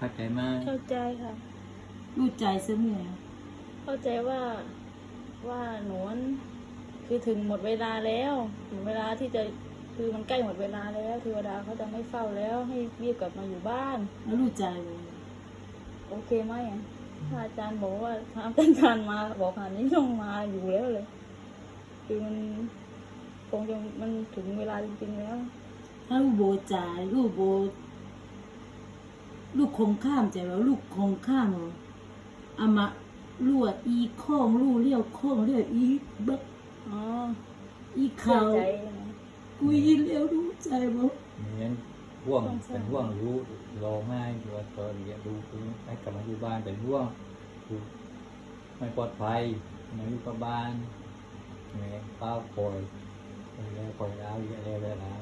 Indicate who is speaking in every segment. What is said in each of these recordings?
Speaker 1: เข้าใจไหม
Speaker 2: เข้าใจค่ะ
Speaker 3: รู้ใจเสมอ
Speaker 2: เข้าใจว่าหนูคือถึงหมดเวลาแล้วถึงเวลาที่จะคือมันใกล้หมดเวลาแล้วเทวดาเขาจะไม่เฝ้าแล้วให้รีบกลับมาอยู่บ้าน
Speaker 3: แล้วรู้ใจเลย
Speaker 2: โอเคไหมอ่ะถ้าอาจารย์บอกว่าถ้าอาจารย์มาบอกขนาดนี้ต้องมาอยู่แล้วเลย คือมันคงจะมันถึงเวลาจริงๆแล้ว
Speaker 3: ถ้าลูกโบใจลูกโบลูกคงข้ามใจว่าลูกคงข้ามอามาลวดอีข้องลูกเลี้ยวข้องเลี้ยวอีบัก
Speaker 2: อ๋อ
Speaker 3: อี
Speaker 2: เชื่อ
Speaker 3: เขา
Speaker 2: ใจนะ
Speaker 3: กุยเลี้ยวรู้ใจบ่
Speaker 1: เหมือนห่วงเป็นห่วงรู้รอง่ายอยู่ว่าตอนเรียนรู้คือให้กลับมาอยู่บ้านเป็นห่วงคือไม่ปลอดภัยมาอยู่กับบ้านแม่เป้าคอยแล้วคอยแล้วเยอะแล้ว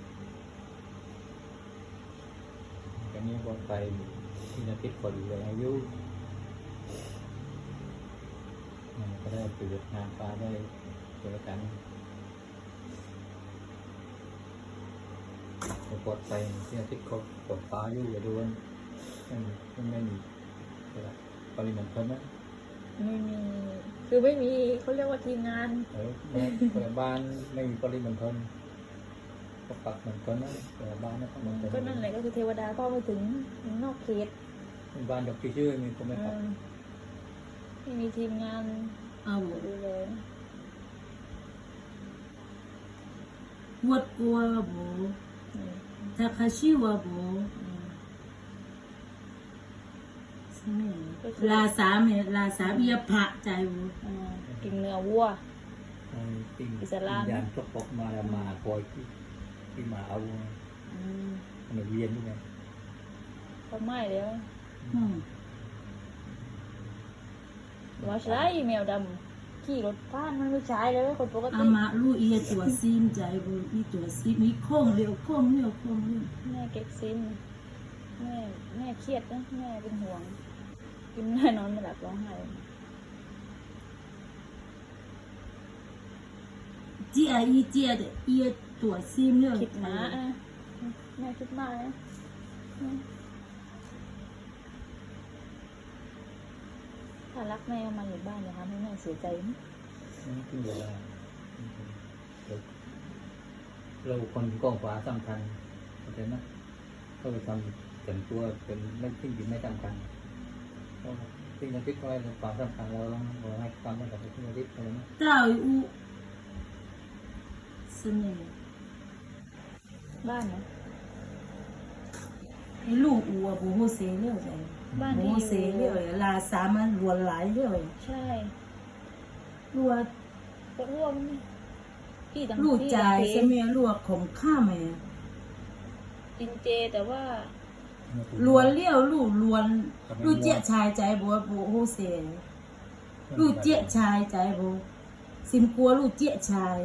Speaker 1: ก็นี้ปลอดภัยที่นักติดคนอยู่อายุมันก็ได้ประโยชน์งานฟ้าได้เจอกันปลอดภัยที่นักติดคนปลอดฟ้าอยู่อย่าดูว่าไม่มีปริมาณคนนะ
Speaker 2: ไม่มีคือไม่มีเขาเรียกว่าทีมงาน
Speaker 1: แต่บ้านไม่มีปริมาณคนก็ปักเหมือนกันนะแต่บ้านนะมันเป็น
Speaker 2: ก็นั่นแหละก็คือเทวดาก็ไม่ถึงนอกเขต
Speaker 1: บ้านดอกชื่อมีคนไม่ปัก
Speaker 2: ไม่มีทีมงาน
Speaker 3: เอาบ่
Speaker 2: ดูแล
Speaker 3: วดกลัวบ่ทาคาชิวะบ่ใช่ไหมลาสามเนี่ยลาสามเอียพระใจบ่
Speaker 2: กินเนื้อวัว
Speaker 1: ปิ้ง
Speaker 2: อิสลาม
Speaker 1: ยานก็ปกมาแล้วมาคอยที่มาเอามันเวียนด้วยไง
Speaker 2: ก็ไม่แล้ว
Speaker 3: อืม
Speaker 2: ว่าใช่แมวดำขี่รถผ่านมันไม่ใช่เลยคนปก
Speaker 3: อา
Speaker 2: ติ
Speaker 3: มาลูกเอียตัวซีมใจบ่อีตัวซีมมีข้องเลี้ยวข้องเลี้ยวข้องเลี้ยว
Speaker 2: แม่เก็บซินแม่เครียดนะแม่เป็นห่วง กินไม่ได้นอนไม่หลับร้องไห้
Speaker 3: เจียอีเจีย的เอียตัวซีมเลี้ยว
Speaker 2: คิดมาอ่ะแม่คิดมากนะถ้ารักแม่เอามาอยู่บ้านอย่าทำให้แม่เสียใจนะ
Speaker 1: นี่คือเวลาเราคนกองฟ้าสำคัญเข้าใจไหมเขาไปทำแต่งตัวเป็นไม่ทิ้งดินไม่สำคัญทิ้งนักทิศก็ให้ความสำคัญเราให้ความสำคัญกับทิ้งนักทิศอะไรนะ
Speaker 3: เต้าอูสมัย
Speaker 2: บ้านนะ
Speaker 3: ให้ลูกอูอ่ะบ่ฮู้เสเลี้ยวใจ
Speaker 2: บ้าน
Speaker 3: บ่
Speaker 2: ที่
Speaker 3: ฮู้
Speaker 2: อ
Speaker 3: เส
Speaker 2: ยู่
Speaker 3: เลี้ยวลาสามันรวนหลายเลี้ยว
Speaker 2: ใช่
Speaker 3: ลูก
Speaker 2: ก็ร่วมพี่ต่าง
Speaker 3: ลูก
Speaker 2: ที่
Speaker 3: ใจ
Speaker 2: ต่าง
Speaker 3: สมัยลูกของข้าแม่
Speaker 2: กินเจแต่ว่า
Speaker 3: ลวนเลี้ยวลูกลวนลูกเจี๊ยชายใจบ่ฮู้เสลูกเจี๊ยชายใจบ่สิมกลัวลูกเจี๊ยชาย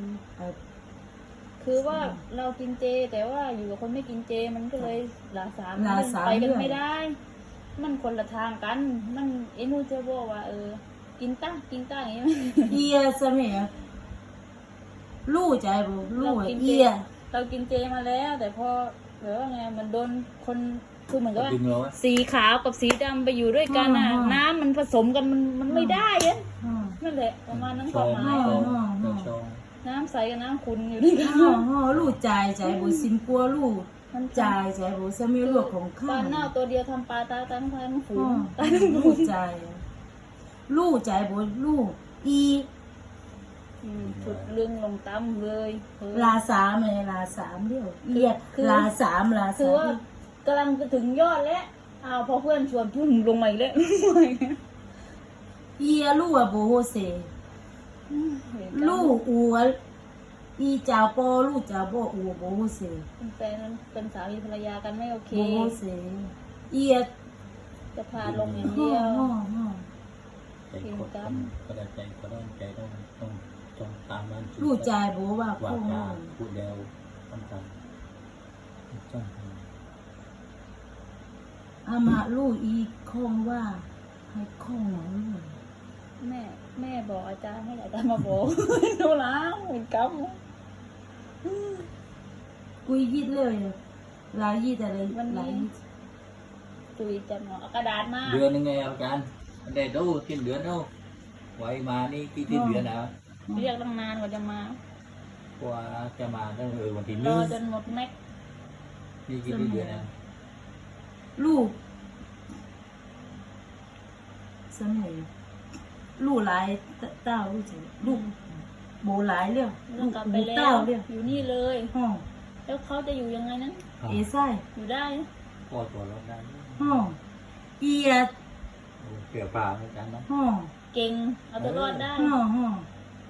Speaker 2: คือว่าเรากินเจแต่ว่าอยู่กับคนไม่กินเจมันก็เลยลาสาม
Speaker 3: ลาสาม
Speaker 2: ไปกัน
Speaker 3: เรื่อง
Speaker 2: ไม่ได้ มันคนละทางกัน มันไอ้นู่นจะบอกว่ากินตั้งอย่างเงี้ย
Speaker 3: เอียสมัยลูกใจบ่ลู
Speaker 2: เรา
Speaker 3: ก
Speaker 2: กินเจ
Speaker 3: เอีย
Speaker 2: เรากินเจมาแล้ว แต่พอแบบว่าไงมันโดนคนคือเหมือนกับว่า
Speaker 1: ดึงเราอะ
Speaker 2: สีขาวกับสีดำไปอยู่ด้วยกันน้ำมันผสมกันมันไม่ได้อะ
Speaker 3: อือ
Speaker 2: นั่นแหละประมาณนั้น
Speaker 1: ช
Speaker 2: ควา
Speaker 1: อ
Speaker 2: ม
Speaker 1: ง
Speaker 2: หมาย
Speaker 1: ช
Speaker 2: ข
Speaker 1: อ
Speaker 2: อง ง
Speaker 1: ชอง
Speaker 2: น้ำใสกับน้ำขุ่นอยู่ด้วยกัน
Speaker 3: ลูกใจใจบ่สิมกลัวลูก
Speaker 2: มัน
Speaker 3: ใจใจบ่สมัยลูกของ
Speaker 2: ป
Speaker 3: ข้า
Speaker 2: ลาเน่าตัวเดียวทำปลาตาทั้งฝูงตา
Speaker 3: ลูกใจ ลูกใจบ่ลูกอี
Speaker 2: สุดลึงลงตั้มเลย
Speaker 3: ลาสามเลยลาสามเดียวเอียลาสามลา
Speaker 2: คือ
Speaker 3: สาม
Speaker 2: ว่ากำลังจะถึงยอดแล้วพอเพื่อนชวนพุ่งลงมาอีกแล้ว
Speaker 3: เอียลูกอะบ่โฮเซลูกอัวอีเจ้าปอลูกเจ้าบ่อัวบ่โฮเซ
Speaker 2: เป็นแฟนเป็นสามีภรรยากันไม่โอเค
Speaker 3: บ่โฮเซเอีย
Speaker 2: จะพาลงอย่างเดียว
Speaker 1: ใจกดก็ได้ใจก็ได้ใจต้องตามบ้าน
Speaker 3: ลูกใจบ่ว่า
Speaker 1: ว่า
Speaker 3: ข้อง
Speaker 1: ว่าพูดแล้วต้องทำต้องท
Speaker 3: อามาลูกอีข้องว่าให้ข้องหนังลูก
Speaker 2: แม่บอกอาจารย์ให้อาจารย์มาบอก หนูล้างเหมือนก
Speaker 3: กุยยิดเลยลายยิดอะไรลายยิด
Speaker 2: ำตุยจำเนาะเอากระดาษมา
Speaker 1: เดือนนึงไงอาจารย์ได้ดูสิ้นเดือนดูไว้มานี่กี่สิ้นเดือนแล้ว
Speaker 2: เรียกตั้งนานกว่าจะมา
Speaker 1: กว่าจะมาตั้งวันที่
Speaker 2: ร
Speaker 1: 1
Speaker 2: อจนหมดแม็ก
Speaker 1: นี่กี่เดือนแล้ว
Speaker 3: ลูกสมัยลูกหลายเต้าลูกจังลูกโบหลายเรื่อง
Speaker 2: แล้
Speaker 3: ลู
Speaker 2: ว
Speaker 3: ก
Speaker 2: กลับไป
Speaker 3: ลูก
Speaker 2: แล้
Speaker 3: เต้าว เรื่อง
Speaker 2: อยู่นี่เลย
Speaker 3: ห้อง
Speaker 2: แล้วเขาจะอยู่ยังไงนั้น
Speaker 3: เอไส้
Speaker 2: อยู่ได้
Speaker 1: พอตัวรถได้
Speaker 3: ห้องอียด
Speaker 1: เกี่ยวปลาอาจารย์นะ
Speaker 3: ห้อง
Speaker 2: เก่งเอาตัวรอดได้
Speaker 3: ห้องห้อง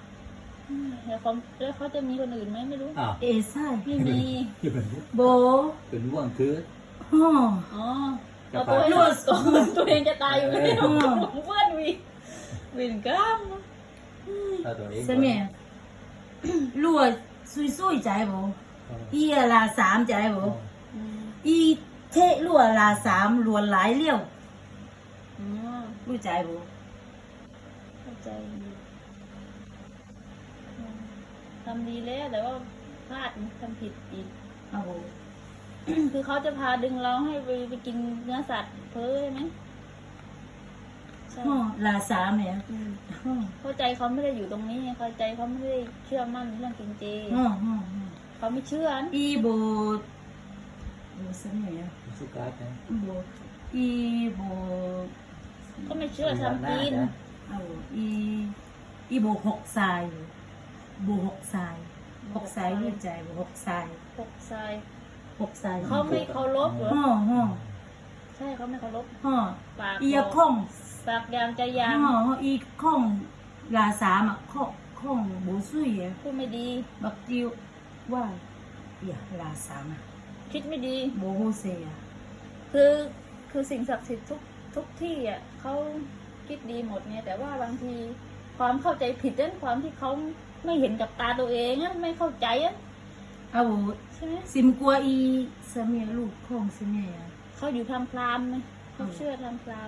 Speaker 2: แล้วเขาจะมีคนอื่นไหมไม่รู้
Speaker 1: อ้าว
Speaker 3: เอไส้
Speaker 2: ไม่มี
Speaker 1: ที่เป็น
Speaker 3: โบ
Speaker 1: เป็นว่างคือ
Speaker 3: ห้อง
Speaker 2: อ๋อเอาตัวให้รอดก่อนตัวเองจะตายอยู่แล้วเพื่อนวินกล้าม
Speaker 1: ถ้าตัวเอง
Speaker 3: สมัยลูกซุยใจโบอียลาสามใจโบอีเทะลูกลาสามลวนหลายเลี้ยว
Speaker 2: อ๋อ
Speaker 3: ลูกใจโบ
Speaker 2: เข้าใจดีทำดีแล้วแต่ว่าพลาดทำผิดอีก
Speaker 3: เอาโบ
Speaker 2: คือเขาจะพาดึงเราให้ไปกินเนื้อสัตว์เพ้อใช่ไหมใช่
Speaker 3: ห้องลาสามเนี่ย
Speaker 2: อืม
Speaker 3: ห้อง
Speaker 2: เข้าใจเขาไม่ได้อยู่ตรงนี้เข้าใจเขาไม่ได้เชื่อมั่นเรื่องกินเจ
Speaker 3: ห้องห้อง
Speaker 2: เขาไม่เชื่อนะ
Speaker 3: อีโบสมัย
Speaker 1: สุกัดนะ
Speaker 3: โบอีโบ
Speaker 2: ก็ไม่เชื่อทำกิน
Speaker 3: เอาอีโบหกทรายโบหกทรายรู้ใจโบหกทราย
Speaker 2: พกทราย
Speaker 3: หกทราย
Speaker 2: เขาไม่เคารพเหรอ
Speaker 3: ห้อง
Speaker 2: ใช่เขาไม่เคารพ
Speaker 3: ห้อง
Speaker 2: ปาก
Speaker 3: อีข้อง
Speaker 2: ปากยางใจยาง
Speaker 3: ห้องอีข้องลาสามอ่ะข้องโบซุยอ่ะ
Speaker 2: พูดไม่ดี
Speaker 3: บักจิวว่าอย่าลาสามอ่ะ
Speaker 2: คิดไม่ดี
Speaker 3: โบโฮเซีย
Speaker 2: คือสิ่งศักดิ์สิทธิ์ทุกที่อ่ะเขาคิดดีหมดเนี่ยแต่ว่าบางทีความเข้าใจผิดนั่นความที่เขาไม่เห็นกับตาตัวเองนั่นไม่เข้าใจอ่ะ
Speaker 3: เอา
Speaker 2: ใช่ไหม
Speaker 3: ซิมกัวอีสเมียลูกข้องสเมีย
Speaker 2: เขาอยู่ทำพรามไหมเขาเชื่อทำพราม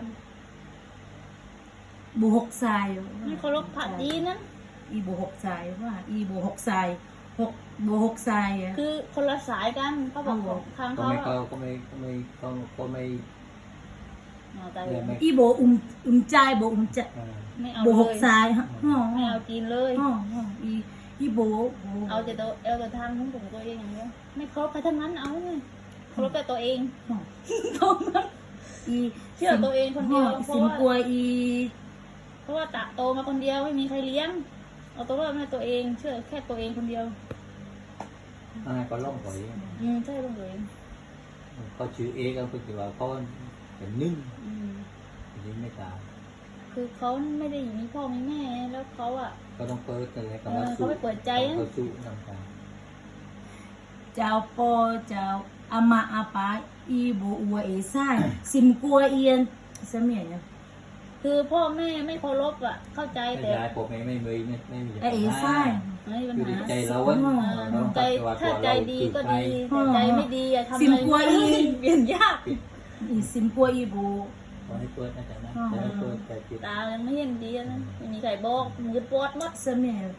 Speaker 3: โบหกทราย
Speaker 2: ไม่เคารพพระดีนั้น
Speaker 3: อีโบหกทรายว่าอีโบหกทรายโบหกทรายอ่ะ
Speaker 2: คือคนละสายกันเขาบอกของทาง
Speaker 1: ก็
Speaker 2: เขา
Speaker 1: ไม่
Speaker 2: อะ
Speaker 1: ก็ไม่
Speaker 2: อ๋อแต่
Speaker 3: อีโบใจโบใจ
Speaker 2: ไม่เอา
Speaker 3: โบหก
Speaker 2: เลย
Speaker 3: ทรายฮะห้อ
Speaker 2: ไม่เอาจีนเลย
Speaker 3: ห้ออีโบ
Speaker 2: เอาแต่ทางของตัวเองอย่างเดียวไม่เคารพใครทั้งนั้นเอาเลยเคารพแต่ตัวเอง
Speaker 3: ห้อ
Speaker 2: เท่านั้น
Speaker 3: อี
Speaker 2: เชื่อตัวเองคนเดียวเพ
Speaker 3: ซิ
Speaker 2: ราะ
Speaker 3: ม
Speaker 2: ว่า
Speaker 3: กัวอี
Speaker 2: เพราะว่าโตมาคนเดียวไม่มีใครเลี้ยง เอาตัวรอดมาตัวเอง เชื่อแค่ตัวเองคนเดียว
Speaker 1: ก็ล่องก่อย
Speaker 2: ใช่ตัวเอง
Speaker 1: เขาชื่อเอก็คือว่าเขาเป็นนึ่ง
Speaker 2: อืม
Speaker 1: ยิงไม่ตาย
Speaker 2: คือเขาไม่ได้มีพ่อมีแม่แล้วเขาอ่ะ
Speaker 1: ก็ต้องเปิดอะไรก็
Speaker 2: เอ
Speaker 1: มา
Speaker 2: อเขา
Speaker 1: สู้
Speaker 2: ไม่เปิดใจนะ
Speaker 1: เขาสู้ทำการ
Speaker 3: เจ้าปอเจ้าอามาอาปาอีโบอัวเอซ่าซิมกัวเอียนสมัยเนี่ย
Speaker 2: คือพ่อแม่ไม่เคารพอ่ะ เข้าใจ
Speaker 1: แต่
Speaker 2: แต่
Speaker 1: ยายผมไม่มี
Speaker 3: เอซ่า
Speaker 2: ไม่มีปัญ
Speaker 1: คือ
Speaker 2: หา
Speaker 1: ใจเราอ่ะ
Speaker 2: ใจถ้าใจดีก็ดีแต่ใจไม่ดีอะทำอะไรไม่ได้เปลี่ยนยาก
Speaker 3: อีซิมกัวอีโบ
Speaker 1: ขอให้เปิดนะจ๊ะนะจะให้เปิดใจปิด
Speaker 2: ตายังไม่เห็นดีนะไม่มีใครบอกมือปวดหมด
Speaker 3: สมัย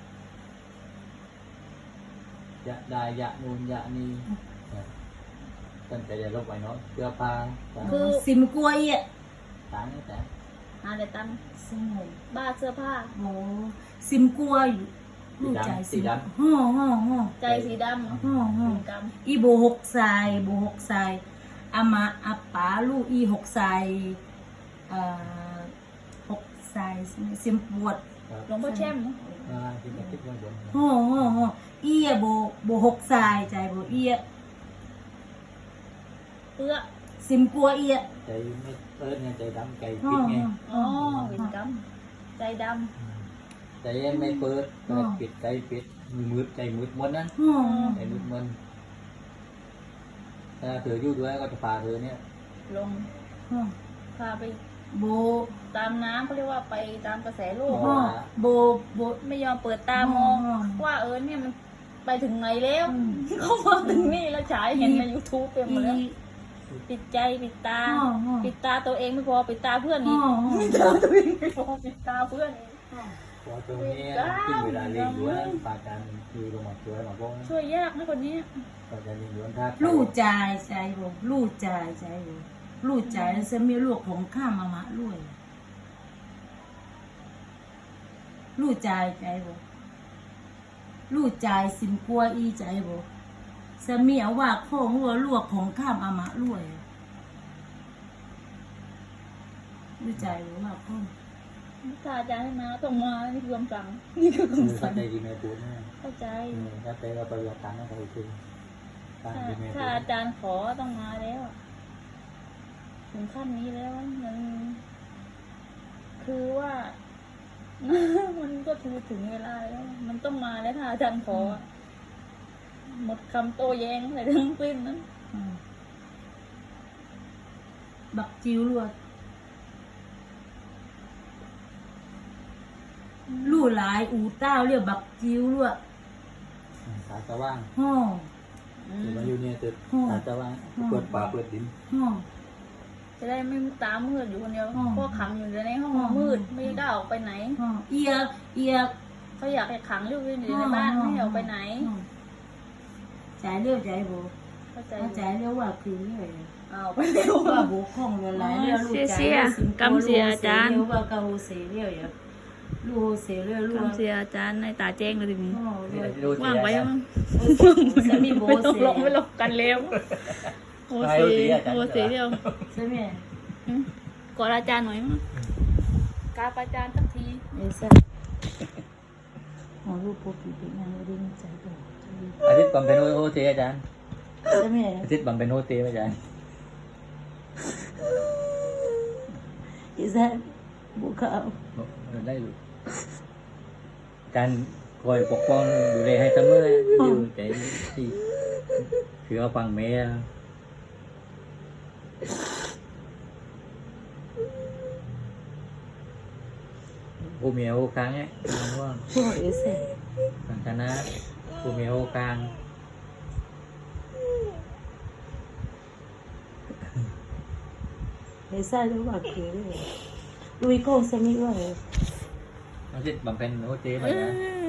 Speaker 1: ยะได้ยะนูนยะนี่ตั้งแต่จะลบไปเนาะเสื้อผ้า
Speaker 3: ซิมกัวเอีย
Speaker 1: ต่างแต่
Speaker 2: หาแต่ตังค์
Speaker 3: สมัย
Speaker 2: บ้าเสื้อผ้า
Speaker 3: โบซิมกัวอยู่ลูกใจสีห้อห้อ
Speaker 2: ใจสีดำ
Speaker 3: ห้อห้อ
Speaker 2: เป็นกรรม
Speaker 3: อีโบหกทรายโบหกทรายอามาอาปาลูกอีหกทรายหกทรายซิมปวด
Speaker 2: หลวงพ่อแช่ม
Speaker 1: ที่จะคิดว่าบน
Speaker 3: ห้ออีโบหกทรายใจโบอี
Speaker 2: เพื่อ
Speaker 3: ซิมกัวอี
Speaker 1: ใจไม่เปิดไงใจดำใจ
Speaker 3: ห้อ
Speaker 1: ปิดไง
Speaker 2: อ๋อเป็นกรรมใจด
Speaker 1: ใจไม่เปิดใจปิดใจปิดมืดใจมืดมนนั้น
Speaker 3: ห้อ
Speaker 1: ใจมืดมนถ้าเธออยู่ด้วยก็จะพาเธอเนี่ย
Speaker 2: ำลง
Speaker 3: ห้อ
Speaker 2: พาไป
Speaker 3: โบ
Speaker 2: ตามน้ำเขาเรียกว่าไปตามกระแสโลก
Speaker 3: ห้อโบ
Speaker 2: ไม่ยอมเปิดตามอง ว่าเนี่ยมันไปถึงไหนแล้วเขามาถึงนี่แล้วฉายเห็นใน YouTube เต็มหมดแล้วปิดใจปิดตา ปิดตาตัวเองไม่พอปิดตาเพื่อนอีกปิดตาตัวเองไม่พอปิดตาเพื่อนอีก
Speaker 1: พอตัวนี้ที่เวลาเลี้ยงอยู่นั้นปาการคือลงมาช่วยมาบ้ง
Speaker 2: ช่วยยากนะคนนี้
Speaker 1: ปาการเลี้ยงอยู่ท่า
Speaker 3: ลู่ใจใจโบลู่ใจใจโบลูกใจจะมีลูกของข้ามามะรวยลูกใจใจบ่ลูกใจสิมกลัวอีใจบ่จะมีเอาว่าของหัวลวกของข้ามอามะรวยลูกใจหรือว่าข้อง
Speaker 2: ถ้าอาจารย์ให้มาต้องมานี่คือคำสั่งนี่คือคำ
Speaker 1: เข้า
Speaker 2: สั่ง
Speaker 1: ใจดีไหมพูดนะ
Speaker 2: เข้าใจ
Speaker 1: ถ้าไปเราปฏิบัติตามก็คือตามดีไหม
Speaker 2: ถ้าอาจารย์ขอต้องมาแล้วอะถึงขั้นนี้แล้วมันคือว่า มันก็คือถึงเวลาแล้วมันต้องมาแล้วถ้าอาจารย์ขออะหมดคำโต้แย้งอะไรทั้งสิ้นนั้น
Speaker 3: บักจิ๋วลวดลู่หลายอูเต้าเรียกบักจิ๋วลวด
Speaker 1: สาจะว่าง
Speaker 3: ห่อ
Speaker 1: หรือมาอยู่เนี่ยจะสาจะว่างเปิดป่าเปิดดิน
Speaker 3: ห่อ
Speaker 2: จะได้ไม่ตามืดอยู่คนเดียว
Speaker 3: อ๋อ
Speaker 2: เพราะขังอยู่ในห้อง
Speaker 3: อ๋อ
Speaker 2: มืดไม่กล้าออกไปไหน
Speaker 3: ห่อเอียกเอียก
Speaker 2: เขาอยากให้ขังอยู่ในบ้านไม่ให้ออกไปไหน
Speaker 3: ใจเรียวใจโบ
Speaker 2: เข้าใจ
Speaker 3: ใจเรียวว่าคือเรียว
Speaker 2: เอาไปเร็ว
Speaker 3: ว่าโบข้องละลายเรียวลูกใจเรียวสิงโตลูกเสียเรียวว่ากะโฮเสเรียวอย่าลูกเสเรียวลูก
Speaker 2: คำเสียอาจารย์ในตาแจ้งเลยทีนี้
Speaker 3: ห่อเรียว
Speaker 2: ว่างไว้มั้ง
Speaker 3: สมีโบ
Speaker 2: ไม่ต้อง
Speaker 3: เส
Speaker 2: ลงไม่ลงกันเร็วโอเสีโอเสีเดียว
Speaker 3: สมี
Speaker 2: กอดอาจารย์หน่อยมั้งกราบอาจารย์สักที
Speaker 3: เอซ่าห่อลูกโปปีเป็นนางเรียนใจโบ
Speaker 1: อาทิตย์บำเพ็ญโอเทอาจารย์
Speaker 3: สมี
Speaker 1: อาทิตย์บำเพ็ญโอเทอาจารย์
Speaker 3: เอซ่าบุกเอา
Speaker 1: ได้การคอยปกป้องดูแลให้เสมออยู่ใจที่คือเอาฟังแม่ผู้มีโอกาสเนี่ยว่า
Speaker 3: ห่อเอซ่า
Speaker 1: สังคณะผู้มีโอกาส
Speaker 3: เอซ่าเรียกว่าคือลุยโก้สมิว่า
Speaker 1: อาทิตย์บำเพ็ญโอเทมา